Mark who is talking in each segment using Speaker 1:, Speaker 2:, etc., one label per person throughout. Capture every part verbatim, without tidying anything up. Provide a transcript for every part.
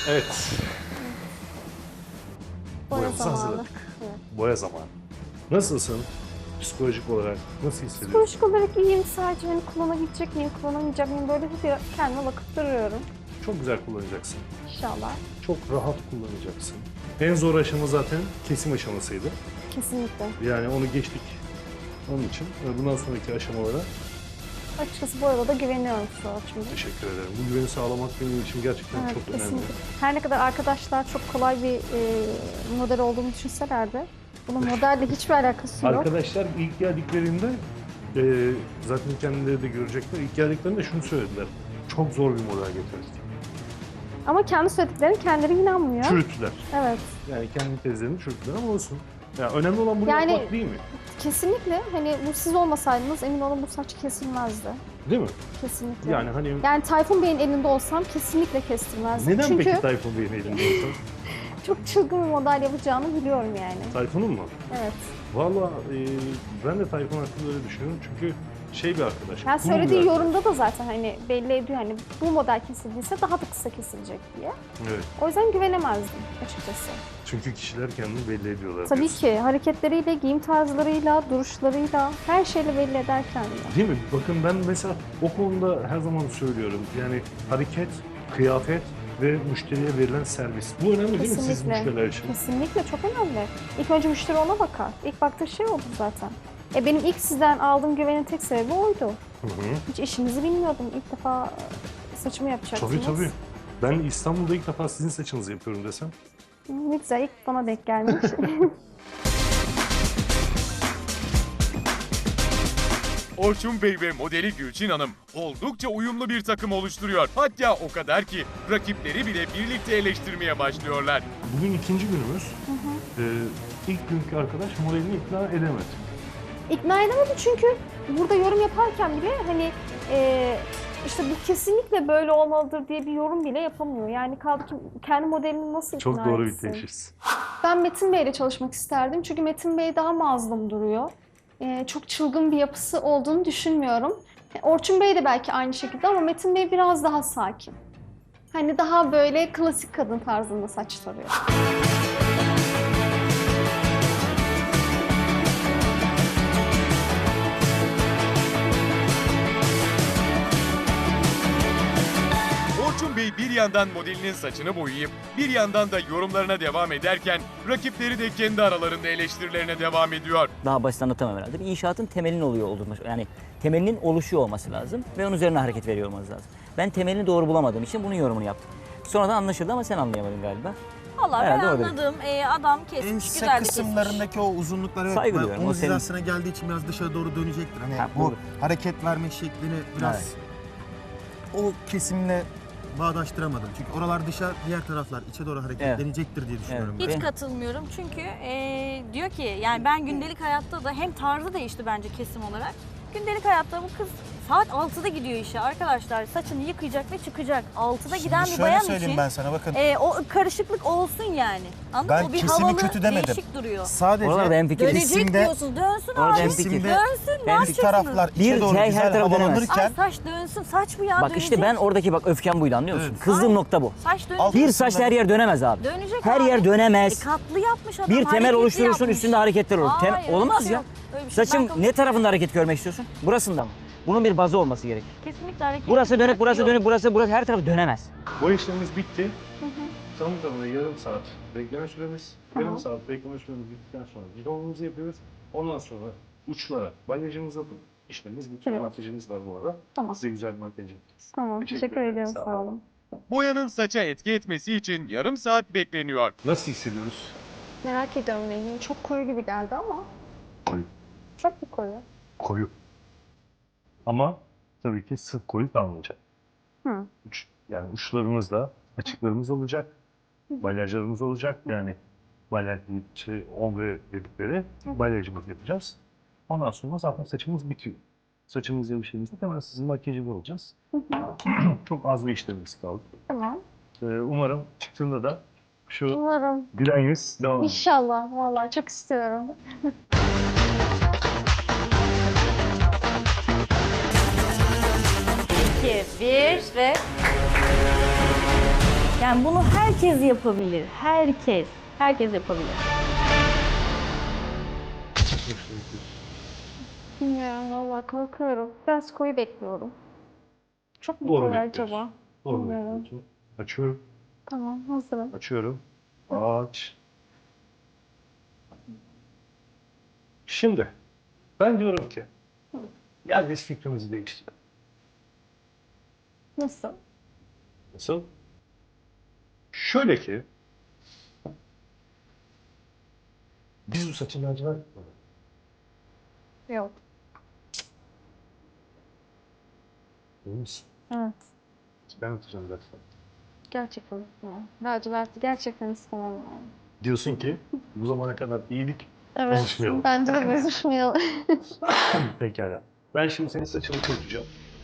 Speaker 1: Evet.
Speaker 2: Boya
Speaker 1: Boyamızı
Speaker 2: zamanı.
Speaker 1: hazırladık.
Speaker 2: Evet.
Speaker 1: Boya zamanı. Nasılsın? Psikolojik olarak nasıl hissediyorsun?
Speaker 2: Psikolojik olarak iyiyim. Sadece hani kullanabilecek miyim, kullanamayacak mıyım? Böyle bir kendime bakıp duruyorum.
Speaker 1: Çok güzel kullanacaksın.
Speaker 2: İnşallah.
Speaker 1: Çok rahat kullanacaksın. En zor aşama zaten kesim aşamasıydı.
Speaker 2: Kesinlikle.
Speaker 1: Yani onu geçtik. Onun için bundan sonraki aşamalara
Speaker 2: Açıkçası bu arada güveniyorum Suat'cığım.
Speaker 1: teşekkür ederim. Bu güveni sağlamak benim için gerçekten
Speaker 2: Evet,
Speaker 1: çok
Speaker 2: kesinlikle.
Speaker 1: önemli.
Speaker 2: Her ne kadar arkadaşlar çok kolay bir e, model olduğunu düşünseler de bunun modelle hiçbir alakası yok.
Speaker 1: Arkadaşlar ilk geldiklerinde e, zaten kendileri de görecekler. İlk geldiklerinde şunu söylediler. Çok zor bir model getirdik.
Speaker 2: Ama kendi söylediklerine kendileri inanmıyor.
Speaker 1: Çürüttüler.
Speaker 2: Evet.
Speaker 1: Yani kendi tezlerini çürüttüler ama olsun. Yani önemli olan bunu
Speaker 2: Yani-
Speaker 1: yapmak değil mi?
Speaker 2: Kesinlikle. Hani bu siz olmasaydınız emin olun bu saç kesilmezdi.
Speaker 1: Değil mi?
Speaker 2: Kesinlikle.
Speaker 1: Yani hani
Speaker 2: Yani Tayfun Bey'in elinde olsam kesinlikle kestirmezdim.
Speaker 1: neden
Speaker 2: Çünkü
Speaker 1: peki Tayfun Bey'in elinde olsun?
Speaker 2: çok çılgın bir model yapacağını biliyorum yani.
Speaker 1: Tayfun'un mu?
Speaker 2: Evet.
Speaker 1: Valla e, ben de Tayfun hakkında öyle düşünüyorum çünkü şey bir arkadaş.
Speaker 2: Yani
Speaker 1: cool bir
Speaker 2: söylediği
Speaker 1: arkadaş.
Speaker 2: yorumda da zaten hani belli ediyor hani bu model kesildiyse daha da kısa kesilecek diye.
Speaker 1: Evet.
Speaker 2: O yüzden güvenemezdim açıkçası.
Speaker 1: Çünkü kişiler kendini belli ediyorlar.
Speaker 2: Tabii
Speaker 1: diyorsun.
Speaker 2: ki hareketleriyle, giyim tarzlarıyla, duruşlarıyla her şeyle belli eder kendini.
Speaker 1: Değil mi? Bakın ben mesela o konuda her zaman söylüyorum. Yani hareket, kıyafet ve müşteriye verilen servis. Bu önemli değil mi siz
Speaker 2: Kesinlikle.
Speaker 1: müşteriler için?
Speaker 2: Kesinlikle çok önemli. İlk önce müşteri ona bakar. İlk baktığı şey oldu zaten. E benim ilk sizden aldığım güvenin tek sebebi oydu.
Speaker 1: Hı hı.
Speaker 2: Hiç işinizi bilmiyordum. İlk defa saçımı yapacaksınız.
Speaker 1: Tabii tabii. Ben İstanbul'da ilk defa sizin saçınızı yapıyorum desem.
Speaker 2: Ne güzel, ilk bana denk gelmiş.
Speaker 3: Orçun Bey ve modeli Gülçin Hanım oldukça uyumlu bir takım oluşturuyor. Hatta o kadar ki rakipleri bile birlikte eleştirmeye başlıyorlar.
Speaker 1: Bugün ikinci günümüz. Ee, ilk günkü arkadaş modelini ikna edemedi.
Speaker 2: İkna edemedi çünkü burada yorum yaparken bile hani e, işte bu kesinlikle böyle olmalıdır diye bir yorum bile yapamıyor. Yani kaldı ki kendi modelini nasıl ikna
Speaker 1: Çok doğru bir
Speaker 2: etsin?
Speaker 1: teşhis.
Speaker 2: Ben Metin Bey'le çalışmak isterdim çünkü Metin Bey daha mazlum duruyor. E, çok çılgın bir yapısı olduğunu düşünmüyorum. E, Orçun Bey de belki aynı şekilde ama Metin Bey biraz daha sakin. Hani daha böyle klasik kadın tarzında saç tarıyor.
Speaker 3: Orçun Bey bir yandan modelinin saçını boyayıp bir yandan da yorumlarına devam ederken rakipleri de kendi aralarında eleştirilerine devam ediyor.
Speaker 4: Daha basit anlatamam herhalde. Bir inşaatın temelinin oluyor olması, yani temelinin oluşuyor olması lazım ve onun üzerine hareket veriyor olması lazım. Ben temelini doğru bulamadığım için bunun yorumunu yaptım. Sonradan anlaşıldı ama sen anlayamadın galiba.
Speaker 5: Vallahi ben
Speaker 4: Herhalde orada.
Speaker 5: anladım. Ee, adam kesmiş,
Speaker 6: Ense
Speaker 5: güzel de kesmiş.
Speaker 6: kısımlarındaki o uzunlukları evet,
Speaker 4: Saygı
Speaker 6: ben
Speaker 4: duyuyorum, o
Speaker 6: omuz
Speaker 4: senin-
Speaker 6: hizasına geldiği için biraz dışarı doğru dönecektir. Hani
Speaker 4: Ha,
Speaker 6: bu
Speaker 4: doğru.
Speaker 6: hareket verme şeklini biraz o kesimle bağdaştıramadım. Çünkü oralar dışa, diğer taraflar içe doğru hareketlenecektir diye düşünüyorum.
Speaker 4: Evet.
Speaker 5: Hiç
Speaker 4: Ve-
Speaker 5: katılmıyorum çünkü ee, diyor ki yani ben gündelik hayatta da hem tarzı değişti bence kesim olarak. Gündelik hayatta bu kız saat altıda gidiyor işe arkadaşlar. Saçını yıkayacak ve çıkacak. altıda
Speaker 6: Şimdi
Speaker 5: giden bir
Speaker 6: şöyle
Speaker 5: bayan
Speaker 6: söyleyeyim
Speaker 5: için
Speaker 6: ben sana bakın.
Speaker 5: ee, o karışıklık olsun yani. Anladın
Speaker 6: Ben
Speaker 5: mı? O bir
Speaker 6: kesimi
Speaker 5: havalı,
Speaker 6: kötü demedim.
Speaker 5: değişik duruyor.
Speaker 6: Sadece
Speaker 4: Oralarda hemfikiriz.
Speaker 5: Dönecek
Speaker 6: kesimde-
Speaker 5: diyorsun. Dönsün
Speaker 4: Orada
Speaker 5: abi.
Speaker 4: hemfikiriz.
Speaker 6: kesimde
Speaker 5: Dönsün. Ne
Speaker 6: bir
Speaker 5: yapacaksınız?
Speaker 6: taraflar içe
Speaker 4: Bir
Speaker 6: doğru
Speaker 4: şey her
Speaker 6: güzel
Speaker 4: tarafa dönemez.
Speaker 6: havalanırken
Speaker 5: Ay saç dönsün. Saç bu ya
Speaker 4: Bak işte ben
Speaker 5: dönecek.
Speaker 4: oradaki bak öfkem buydu anlıyor musun?
Speaker 6: Evet.
Speaker 4: Kızdığım
Speaker 5: Ay.
Speaker 4: nokta bu.
Speaker 5: Saç dönecek.
Speaker 6: Alt-
Speaker 4: Bir saçla her yer dönemez abi.
Speaker 5: Dönecek
Speaker 4: Her
Speaker 5: abi.
Speaker 4: yer dönemez.
Speaker 5: E, katlı yapmış adam.
Speaker 4: Bir temel
Speaker 5: hareketli
Speaker 4: oluşturursun
Speaker 5: yapmış.
Speaker 4: üstünde hareketler olur. Tem-
Speaker 5: Hayır, öyle bir
Speaker 4: Olmaz
Speaker 5: şey
Speaker 4: ya.
Speaker 5: yok. Öyle bir şey.
Speaker 4: Saçın
Speaker 5: Ben kabul
Speaker 4: ne tarafında hareket görmek istiyorsun? Burasında mı? Bunun bir bazı olması gerek.
Speaker 5: Kesinlikle hareket.
Speaker 4: Burası dönük, burası
Speaker 5: yok.
Speaker 4: dönük, burası, burası her tarafı dönemez.
Speaker 1: Bu işlemimiz bitti. Tam tamına yarım saat bekleme süremiz. Yarım saat bekleme süremiz bittikten sonra videomuzu yapıyoruz. Ondan sonra uçlara balyajımızı yapıp işlemimiz bitiyor.
Speaker 2: Evet.
Speaker 1: Makyajımız var bu arada.
Speaker 2: Tamam.
Speaker 1: Size güzel bir makyaj yapacağız.
Speaker 2: Tamam,
Speaker 1: Teşekkür
Speaker 2: teşekkür
Speaker 1: ederim,
Speaker 2: ediyorum.
Speaker 1: sağ
Speaker 2: Sağ olun.
Speaker 3: Boyanın saça etki etmesi için yarım saat bekleniyor.
Speaker 1: Nasıl hissediyoruz?
Speaker 2: Merak ediyorum rengini. Çok koyu gibi geldi ama.
Speaker 1: Koyu.
Speaker 2: Çok mu koyu?
Speaker 1: Koyu. Ama tabii ki sık koyu kalmayacak.
Speaker 2: Hı.
Speaker 1: Uç, yani uçlarımızda açıklarımız olacak. Balyajlarımız olacak. Yani balyaj şey, ombre dedikleri balyajımız yapacağız. Ondan sonra zaten saçımız bitiyor. Saçımız yavuşayımızda hemen sizin makyajını olacağız. Çok az bir işlemimiz kaldı.
Speaker 2: Tamam.
Speaker 1: Ee, umarım çıktığında da şu
Speaker 2: Umarım.
Speaker 1: gülen yüz devam eder.
Speaker 2: İnşallah. Vallahi çok istiyorum.
Speaker 5: iki, bir ve... Yani bunu herkes yapabilir. Herkes. Herkes yapabilir.
Speaker 2: Bilmiyorum valla korkuyorum. Biraz koyu bekliyorum. Çok mu
Speaker 1: Doğru
Speaker 2: koyu
Speaker 1: bekliyorsun.
Speaker 2: acaba?
Speaker 1: Doğru
Speaker 2: Bilmiyorum.
Speaker 1: bekliyorsun. Açıyorum.
Speaker 2: Tamam hazırım.
Speaker 1: Açıyorum. Aç. Şimdi ben diyorum ki gel biz fikrimizi değiştirelim.
Speaker 2: Nasıl?
Speaker 1: Nasıl? Şöyle ki biz bu saçın lacivert yapalım.
Speaker 2: Yok.
Speaker 1: Değil misin?
Speaker 2: Evet.
Speaker 1: Ben atacağım zaten.
Speaker 2: Gerçekten istemem. Lacivert'i gerçekten istemem. Yani.
Speaker 1: Diyorsun ki bu zamana kadar iyilik
Speaker 2: Evet.
Speaker 1: konuşmayalım.
Speaker 2: Bence de konuşmayalım.
Speaker 1: Pekala. Ben şimdi senin saçını kurutacağım.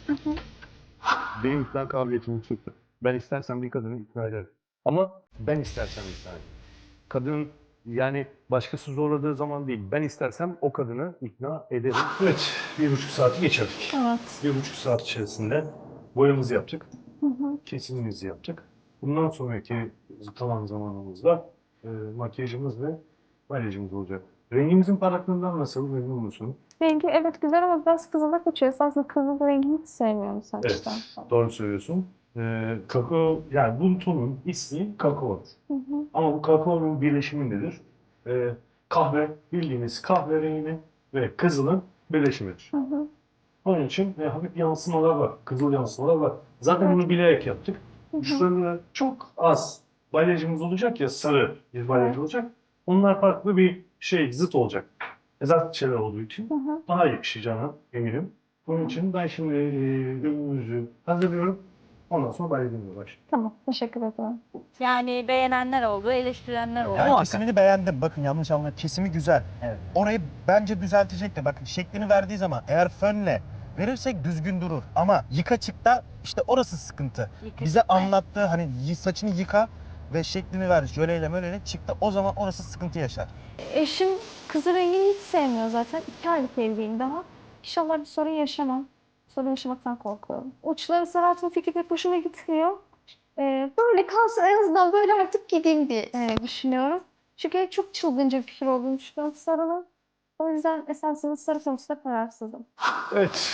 Speaker 1: Benim ikna kabiliyetim yüksek. Ben istersem bir kadını ikna ederim. Ama ben istersem ikna ederim. Kadının yani başkası zorladığı zaman değil. Ben istersem o kadını ikna ederim. Evet, bir buçuk saati geçirdik.
Speaker 2: Evet.
Speaker 1: Bir buçuk saat içerisinde boyamızı yaptık.
Speaker 2: Hı hı.
Speaker 1: Kesimimizi yaptık. Bundan sonraki kalan zamanımızda e, makyajımız ve makyajımız olacak. Rengimizin parlaklığından nasıl memnun musun?
Speaker 2: Rengi evet güzel ama biraz kızıla kaçıyor. Aslında kızıl rengini hiç sevmiyorum
Speaker 1: Evet,
Speaker 2: saçta.
Speaker 1: doğru söylüyorsun. Ee, kakao, yani bu tonun ismi kakao.
Speaker 2: Hı hı.
Speaker 1: Ama bu kakaonun birleşimindedir. Ee, kahve, bildiğiniz kahverengi ve kızılın birleşimidir.
Speaker 2: Hı hı.
Speaker 1: Onun için e, hafif yansımalar var, kızıl yansımalar var. Zaten bunu bilerek yaptık.
Speaker 2: Hı hı.
Speaker 1: Uçlarında çok az balyajımız olacak ya, sarı bir balyaj olacak. Onlar farklı bir şey, zıt olacak. Zıt şeyler olduğu için
Speaker 2: Hı hı.
Speaker 1: daha yakışacağına eminim. Bunun için ben şimdi e, ürünümüzü hazırlıyorum. Ondan sonra balyajımıza başlayalım.
Speaker 2: Tamam. Teşekkür ederim.
Speaker 5: Yani beğenenler oldu, eleştirenler oldu.
Speaker 6: Ben kesimini beğendim. Bakın yanlış anlamayın. Kesimi güzel.
Speaker 4: Evet.
Speaker 6: Orayı bence düzeltecek de bakın şeklini verdiği zaman eğer fönle verirsek düzgün durur. Ama yıka çıkta işte orası sıkıntı.
Speaker 5: Yıka
Speaker 6: Bize
Speaker 5: çıkta.
Speaker 6: anlattığı hani y- saçını yıka ve şeklini ver. Jöleyle möleyle çıktı. O zaman orası sıkıntı yaşar.
Speaker 2: Eşim kızıl rengini hiç sevmiyor zaten. İki aylık evliyim daha. İnşallah bir sorun yaşamam. Sorun yaşamaktan korkuyorum. Uçları sarartma fikri pek hoşuma gitmiyor. Ee, böyle kalsın en azından böyle artık gideyim diye e, düşünüyorum. Çünkü çok çılgınca bir fikir olduğunu düşünüyorum sarının. O yüzden esasında sarı konusunda kararsızım.
Speaker 1: Evet.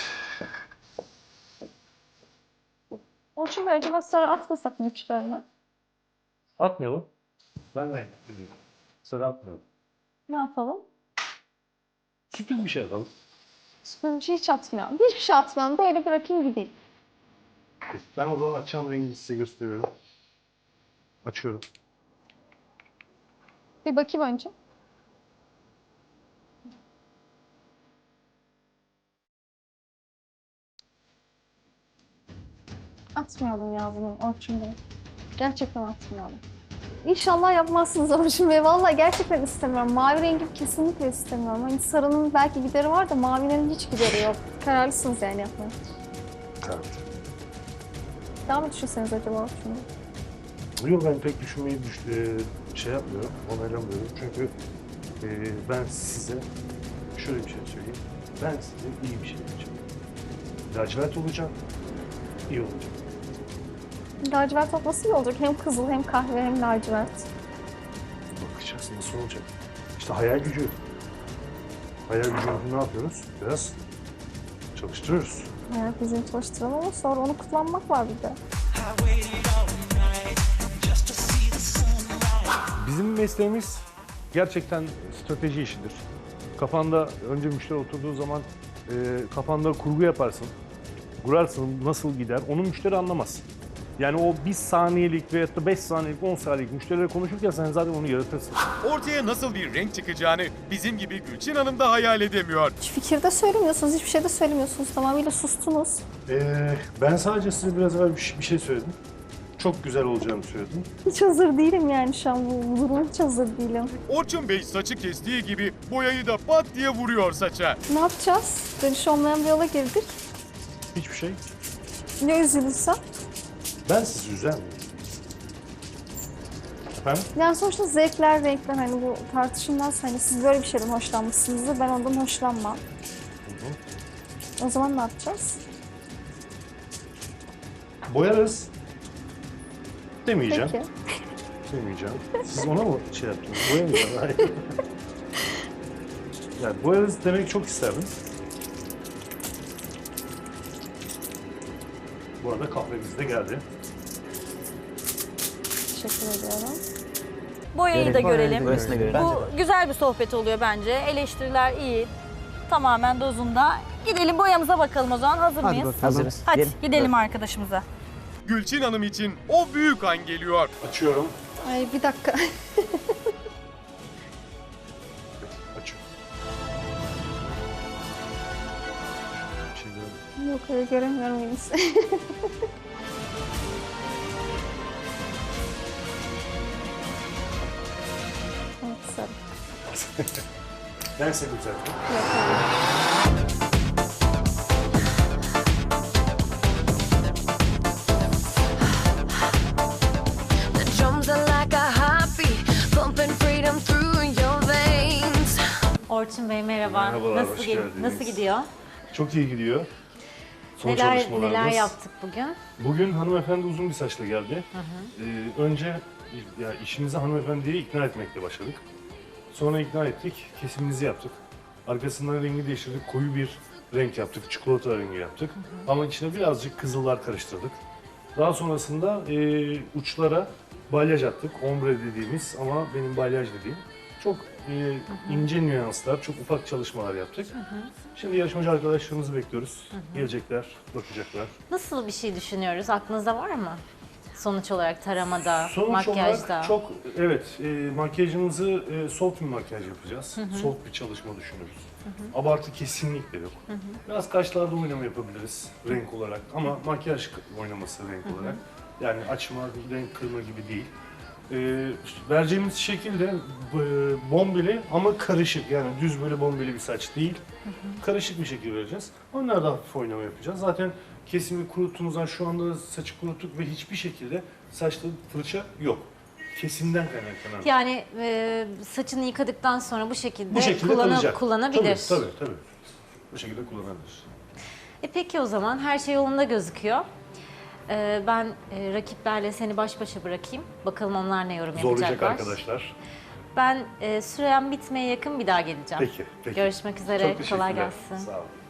Speaker 2: Onun için böyle acaba sarı atmasak mı uçlarına?
Speaker 1: Atmayalım. Ben de sarı atmayalım.
Speaker 2: Ne yapalım?
Speaker 1: Sürpriz bir şey atalım.
Speaker 2: Sponge hiç atmıyorum. Hiçbir şey atmam. Böyle bırakayım gideyim.
Speaker 1: Ben o zaman açacağım rengi size gösteriyorum. Açıyorum.
Speaker 2: Bir bakayım önce. Atmayalım ya bunu Orçun Bey. Gerçekten atmayalım. İnşallah yapmazsınız Orçun Bey. Vallahi gerçekten istemiyorum. Mavi rengi kesinlikle istemiyorum. Hani sarının belki gideri var da mavinin hiç gideri yok. Kararlısınız yani yapmaya.
Speaker 1: Evet.
Speaker 2: Daha mı düşünseniz acaba Orçun Bey?
Speaker 1: Yok ben pek düşünmeyi düş e, şey yapmıyorum, onaylamıyorum. Çünkü e, ben size şöyle bir şey söyleyeyim. Ben size iyi bir şey yapacağım. Lacivert olacak, iyi olacak.
Speaker 2: Lacivert olması iyi olacak. Hem kızıl hem kahve hem lacivert.
Speaker 1: Bakacağız nasıl olacak. İşte hayal gücü. Hayal gücümüzü ne yapıyoruz? Biraz çalıştırıyoruz.
Speaker 2: Yani bizim çalıştıralım ama sonra onu kullanmak var bir de.
Speaker 1: Bizim mesleğimiz gerçekten strateji işidir. Kafanda önce müşteri oturduğu zaman e, kafanda kurgu yaparsın. Kurarsın nasıl gider onu müşteri anlamaz. Yani o bir saniyelik veyahut da beş saniyelik, on saniyelik müşteriyle konuşurken sen zaten onu yaratırsın.
Speaker 3: Ortaya nasıl bir renk çıkacağını bizim gibi Gülçin Hanım da hayal edemiyor.
Speaker 2: Hiç fikir de söylemiyorsunuz, hiçbir şey de söylemiyorsunuz. Tamamıyla sustunuz.
Speaker 1: Ee, ben sadece size biraz evvel bir bir şey söyledim. Çok güzel olacağını söyledim.
Speaker 2: Hiç hazır değilim yani şu an bu duruma hiç hazır değilim.
Speaker 3: Orçun Bey saçı kestiği gibi boyayı da pat diye vuruyor saça.
Speaker 2: Ne yapacağız? Dönüş olmayan bir yola girdik.
Speaker 1: Hiçbir şey.
Speaker 2: Ne üzülürsem?
Speaker 1: Ben sizi üzer miyim? Efendim?
Speaker 2: Yani sonuçta zevkler, renkler hani bu tartışılmaz. Hani siz böyle bir şeyden hoşlanmışsınızdır, ben ondan hoşlanmam. O zaman ne yapacağız?
Speaker 1: Boyarız. Demeyeceğim.
Speaker 2: Peki.
Speaker 1: Demeyeceğim. Siz ona mı şey yaptınız? Boyamayacağım. Hayır. Yani boyarız demek çok isterdim. Bu arada kahvemiz de geldi.
Speaker 2: Teşekkür ediyorum.
Speaker 5: Boyayı
Speaker 6: Gerek
Speaker 5: da
Speaker 6: var,
Speaker 5: görelim.
Speaker 6: evet.
Speaker 4: Burasını görelim.
Speaker 5: Bu güzel bir sohbet oluyor bence. Eleştiriler iyi. Tamamen dozunda. Gidelim boyamıza bakalım o zaman. Hazır
Speaker 6: Hadi
Speaker 5: mıyız?
Speaker 6: bakalım.
Speaker 4: Hazırız.
Speaker 5: Hadi
Speaker 4: Gidelim.
Speaker 5: gidelim arkadaşımıza.
Speaker 3: Gülçin Hanım için o büyük an geliyor.
Speaker 1: Açıyorum.
Speaker 2: Ay bir dakika.
Speaker 1: Açıyorum. Şimdi
Speaker 2: Yok öyle göremiyorum henüz. Evet, sarı.
Speaker 1: ben sevdim zaten.
Speaker 2: Yok, hayır.
Speaker 7: The drums are like a heartbeat, pumping freedom through your veins.
Speaker 8: Orçun Bey merhaba.
Speaker 1: Merhabalar,
Speaker 8: nasıl,
Speaker 1: hoş
Speaker 8: gi-
Speaker 1: geldiniz.
Speaker 8: nasıl gidiyor?
Speaker 1: Çok iyi gidiyor. Son
Speaker 8: Neler
Speaker 1: çalışmalarımız.
Speaker 8: neler yaptık bugün?
Speaker 1: Bugün hanımefendi uzun bir saçla geldi. Ee, önce ya işimizi hanımefendiye ikna etmekle başladık. Sonra ikna ettik, kesimimizi yaptık. Arkasından rengi değiştirdik, koyu bir renk yaptık, çikolata rengi yaptık. Ama içine birazcık kızıllar karıştırdık. Daha sonrasında e, uçlara balyaj attık, ombre dediğimiz ama benim balyaj dediğim. Çok e, ince nüanslar, çok ufak çalışmalar yaptık. Şimdi yarışmacı arkadaşlarımızı bekliyoruz. Gelecekler, bakacaklar.
Speaker 8: Nasıl bir şey düşünüyoruz? Aklınızda var mı? Sonuç olarak taramada,
Speaker 1: Sonuç
Speaker 8: makyajda.
Speaker 1: olarak çok, evet, e, makyajımızı e, soft bir makyaj yapacağız. Soft bir çalışma düşünüyoruz. Abartı kesinlikle yok. Biraz kaşlarda oynama yapabiliriz renk olarak ama makyaj oynaması renk olarak. Yani açma, renk kırma gibi değil. E, vereceğimiz şekil de e, bombeli ama karışık, yani düz böyle bombeli bir saç değil. Karışık bir şekil vereceğiz. Onlarda hafif oynama yapacağız. Zaten kesimi kuruttuğumuzdan şu anda saçı kuruttuk ve hiçbir şekilde saçta fırça yok. Kesimden kaynaklanan.
Speaker 8: Yani e, saçını yıkadıktan sonra bu şekilde,
Speaker 1: Bu şekilde
Speaker 8: kullanı-
Speaker 1: kalacak.
Speaker 8: kullanabilir.
Speaker 1: Tabii, tabii, tabii. Bu şekilde kullanabilir.
Speaker 8: E peki o zaman her şey yolunda gözüküyor. E, ben e, rakiplerle seni baş başa bırakayım. Bakalım onlar ne yorum
Speaker 1: Zorlayacak
Speaker 8: yapacaklar.
Speaker 1: arkadaşlar.
Speaker 8: Ben e, sürem bitmeye yakın bir daha geleceğim.
Speaker 1: Peki, peki.
Speaker 8: Görüşmek üzere.
Speaker 1: Çok
Speaker 8: Kolay
Speaker 1: teşekkürler.
Speaker 8: gelsin.
Speaker 1: Sağ olun.